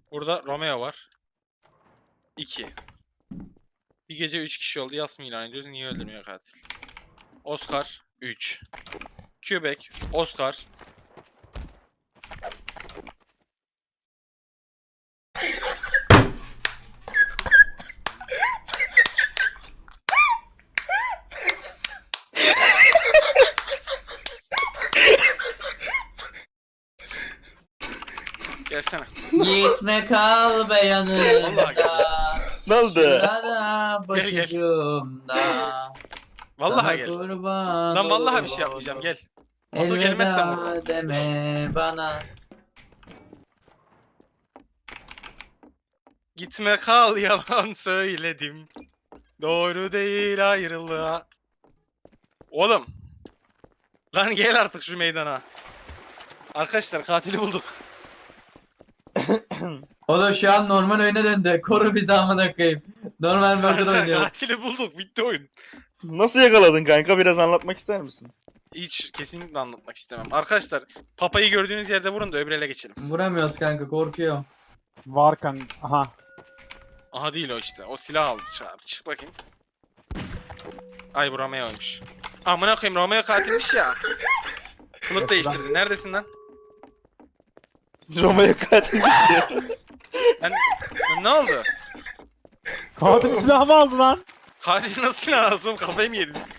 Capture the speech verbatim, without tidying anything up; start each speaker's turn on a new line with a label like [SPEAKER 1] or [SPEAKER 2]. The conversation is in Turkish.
[SPEAKER 1] Burada Romeo var. iki. Bir gece üç kişi oldu. Yas mı ilan ediyoruz? Niye öldürmüyor katil? Oscar üç. Quebec Oscar. Gelsene.
[SPEAKER 2] Gitme kal be
[SPEAKER 1] Vallahi
[SPEAKER 2] yanımda.
[SPEAKER 3] Ne oldu?
[SPEAKER 2] Şurada
[SPEAKER 1] Gel, gel.
[SPEAKER 2] başucumda.
[SPEAKER 1] Vallahi
[SPEAKER 2] Sana
[SPEAKER 1] gel.
[SPEAKER 2] kurban
[SPEAKER 1] Lan vallahi bir şey
[SPEAKER 2] olurum.
[SPEAKER 1] yapmayacağım gel. Nasıl gelmezsen vurma.
[SPEAKER 2] Elveda deme bana.
[SPEAKER 1] Gitme kal yalan söyledim. Doğru değil ayrılığa. Oğlum. Lan gel artık şu meydana. Arkadaşlar katili bulduk.
[SPEAKER 2] Oğlum şu an normal oyuna döndü. Koru bizi amına koyayım. Normal murder
[SPEAKER 1] Kanka,
[SPEAKER 2] oynuyor.
[SPEAKER 1] katili bulduk. Bitti oyun.
[SPEAKER 3] Nasıl yakaladın kanka? Biraz anlatmak ister misin?
[SPEAKER 1] Hiç kesinlikle anlatmak istemem. Arkadaşlar papayı gördüğünüz yerde vurun da öbür ele geçelim.
[SPEAKER 2] Vuramıyoruz kanka, korkuyorum.
[SPEAKER 4] Var kanka. Aha.
[SPEAKER 1] Aha değil o işte. O silah aldı. Çık, çık bakayım. Ay bu Romeo'ymuş. Amına koyayım Romeo katilmiş ya. Kılık değiştirdi. Neredesin lan?
[SPEAKER 3] Roma'ya katilmiş diyor.
[SPEAKER 1] Ben... Ne oldu?
[SPEAKER 4] Katil silahımı aldı lan.
[SPEAKER 1] Katil nasıl silah alsın? Kafayı mı yedin?